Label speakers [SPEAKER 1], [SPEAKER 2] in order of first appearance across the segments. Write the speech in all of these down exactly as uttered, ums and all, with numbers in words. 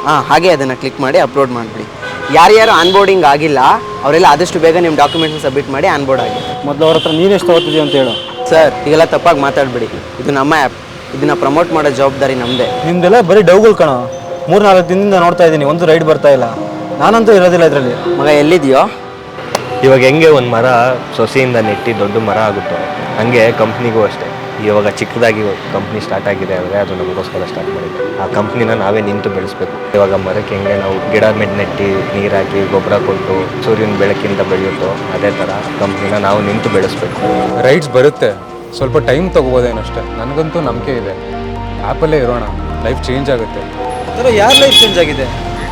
[SPEAKER 1] ಹಾಂ ಹಾಗೆ ಅದನ್ನು ಕ್ಲಿಕ್ ಮಾಡಿ ಅಪ್ಲೋಡ್ ಮಾಡಿಬಿಡಿ. ಯಾರ್ಯಾರು ಆನ್ಬೋರ್ಡಿಂಗ್ ಆಗಿಲ್ಲ ಅವರೆಲ್ಲ ಆದಷ್ಟು ಬೇಗ ನಿಮ್ಮ ಡಾಕ್ಯುಮೆಂಟ್ಸ್ ಸಬ್ಮಿಟ್ ಮಾಡಿ ಆನ್ಬೋರ್ಡ್ ಆಗಿ.
[SPEAKER 2] ಮೊದಲು ಅವ್ರ ಹತ್ರ ನೀನು ಎಷ್ಟು ತಗೋತಿದ್ದೀಯ ಅಂತ ಹೇಳು.
[SPEAKER 1] ಸರ್ ಈಗೆಲ್ಲ ತಪ್ಪಾಗಿ ಮಾತಾಡಬೇಡಿ, ಇದು ನಮ್ಮ ಆ್ಯಪ್, ಇದನ್ನು ಪ್ರಮೋಟ್ ಮಾಡೋ ಜವಾಬ್ದಾರಿ ನಮ್ಮದೇ.
[SPEAKER 2] ನಿಮ್ದೆಲ್ಲ ಬರೀ ಡೌಗಳು ಕಣ. ಮೂರು ನಾಲ್ಕು ದಿನದಿಂದ ನೋಡ್ತಾ ಇದ್ದೀನಿ, ಒಂದು ರೈಡ್ ಬರ್ತಾ ಇಲ್ಲ. ನಾನಂತೂ ಇರೋದಿಲ್ಲ ಇದರಲ್ಲಿ.
[SPEAKER 1] ಮಗ ಎಲ್ಲಿದೆಯೋ?
[SPEAKER 3] ಇವಾಗ ಹೆಂಗೆ ಒಂದು ಮರ ಸೊಸೆಯಿಂದ ನೆಟ್ಟಿ ದೊಡ್ಡ ಮರ ಆಗುತ್ತೋ ಹಾಗೆ ಕಂಪ್ನಿಗೂ ಅಷ್ಟೇ. ಇವಾಗ ಚಿಕ್ಕದಾಗಿ ಕಂಪ್ನಿ ಸ್ಟಾರ್ಟ್ ಆಗಿದೆ ಅಂದರೆ ಅದು ನಮಗೋಸ್ಕರ ಸ್ಟಾರ್ಟ್ ಮಾಡಿದ್ದು. ಆ ಕಂಪ್ನಿನ ನಾವೇ ನಿಂತು ಬೆಳೆಸ್ಬೇಕು. ಇವಾಗ ಮರಕ್ಕೆ ಹೆಂಗೆ ನಾವು ಗಿಡ ಮೆಡ್ ನೆಟ್ಟಿ ನೀರು ಹಾಕಿ ಗೊಬ್ಬರ ಕೊಟ್ಟು ಸೂರ್ಯನ ಬೆಳಕಿಂದ ಬೆಳೆಯುತ್ತೋ ಅದೇ ಥರ ಕಂಪ್ನಿನ ನಾವು ನಿಂತು ಬೆಳೆಸ್ಬೇಕು.
[SPEAKER 4] ರೈಡ್ಸ್ ಬರುತ್ತೆ, ಸ್ವಲ್ಪ ಟೈಮ್ ತೊಗೋಬೋದೇನಷ್ಟೇ. ನನಗಂತೂ ನಂಬಿಕೆ ಇದೆ, ಆ್ಯಪಲ್ಲೇ ಇರೋಣ, ಲೈಫ್ ಚೇಂಜ್ ಆಗುತ್ತೆ.
[SPEAKER 2] ಅದರ ಯಾರ ಲೈಫ್ ಚೇಂಜ್ ಆಗಿದೆ?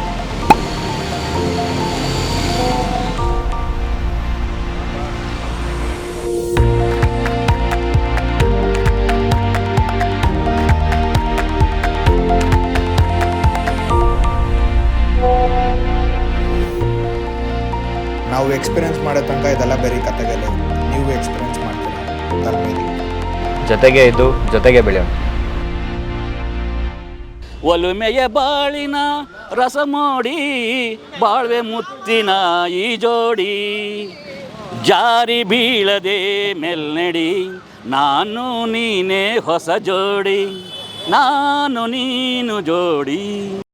[SPEAKER 5] ನಾವು ಎಕ್ಸ್ಪೀರಿಯೆನ್ಸ್ ಮಾಡೋ ತನಕ ಇದೆಲ್ಲ ಬರೀ ಕಥೆಗಳು. ನೀವು ಎಕ್ಸ್ಪೀರಿಯೆನ್ಸ್ ಮಾಡ್ತೀರಾ ತರಬೇತಿ
[SPEAKER 3] ಜೊತೆಗೆ ಇದ್ದು ಜೊತೆಗೆ ಬೆಳೆಯೋಣ.
[SPEAKER 6] ಒಲುಮೆಯ ಬಾಳಿನ ರಸಮೋಡಿ ಬಾಳ್ವೆ ಮುತ್ತಿನ ಈ ಜೋಡಿ ಜಾರಿ ಬೀಳದೆ ಮೆಲ್ನಡಿ ನಾನು ನೀನೇ ಹೊಸ ಜೋಡಿ ನಾನು ನೀನು ಜೋಡಿ.